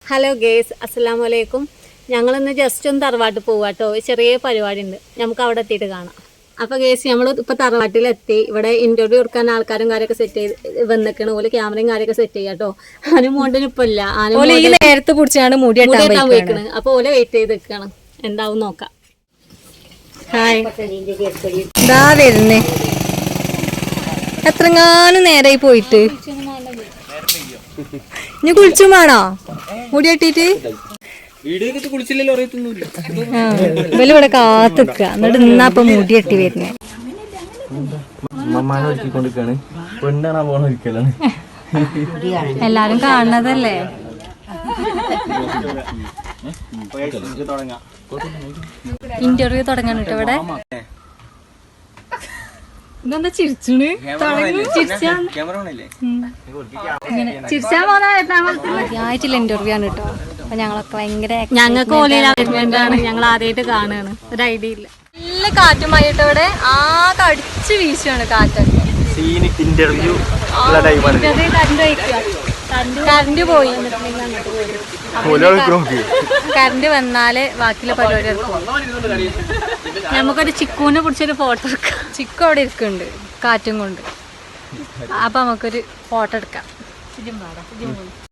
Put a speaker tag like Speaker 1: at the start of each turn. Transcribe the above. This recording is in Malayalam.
Speaker 1: ഹലോ ഗേസ്, അസ്സലാമു അലൈക്കും. ഞങ്ങളിന്ന് ജസ്റ്റ് ഒന്ന് തറവാട്ട് പോവാ കേട്ടോ. ചെറിയ പരിപാടി ഉണ്ട്, നമുക്ക് അവിടെ എത്തിയിട്ട് കാണാം. അപ്പോൾ ഗേസ്, നമ്മൾ ഇപ്പോൾ തറവാട്ടിലെത്തി. ഇവിടെ ഇൻ്റർവ്യൂ കൊടുക്കാൻ ആൾക്കാരും കാര്യമൊക്കെ സെറ്റ് ചെയ്ത് വന്നിക്കണം. ഓല് ക്യാമറയും കാര്യമൊക്കെ സെറ്റ് ചെയ്യാം കേട്ടോ. ആനും മോണ്ടിന് ഇപ്പോൾ ഇല്ല,
Speaker 2: നേരത്തെ പിടിച്ചാണ് മുടി
Speaker 1: കെട്ടാൻ പോയിക്കണ്. അപ്പോൾ ഓലെ വെയിറ്റ് ചെയ്ത് നിൽക്കണം, എന്താവും നോക്കാം.
Speaker 2: ഹായ്, ഇതാ വരുന്നേ. എത്രങ്ങാനും നേരായി പോയിട്ട്. ഇനി കുളിച്ചും വേണോ മുടി കെട്ടിട്ട്? ഇവലിവിടെ കാത്തുക്ക, എന്നിട്ട് ഇന്നാപ്പൊ മുടി കെട്ടി വരുന്നേ. എല്ലാരും കാണുന്നതല്ലേ. ഇന്റർവ്യൂ തുടങ്ങാൻ കേട്ടോ ഇവിടെ. ഇതെന്താ ചിരിച്ചണ്? ആദ്യമായിട്ടുള്ള ഇന്റർവ്യൂ ആണ് കേട്ടോ. അപ്പൊ ഞങ്ങളൊക്കെ ഭയങ്കര
Speaker 1: ഞങ്ങൾക്ക് ഓലാണ്, ഞങ്ങൾ ആദ്യമായിട്ട് കാണുകയാണ്. ഒരു ഐഡിയ ഇല്ല.
Speaker 2: നല്ല കാറ്റുമായിട്ട് ഇവിടെ ആകെ അടിച്ചു വീശുകയാണ് കാറ്റൊക്കെ. കറണ്ട് പോയി. കറണ്ട് വന്നാല് ബാക്കിയുള്ള പരിപാടി എടുക്കും.
Speaker 1: നമുക്കൊരു ചിക്കുവിനെ പിടിച്ചൊരു ഫോട്ടോ എടുക്കാം.
Speaker 2: ചിക്കു അവിടെ ഇരിക്കുന്നുണ്ട് കാറ്റും കൊണ്ട്. അപ്പൊ നമുക്കൊരു ഫോട്ടോ എടുക്കാം.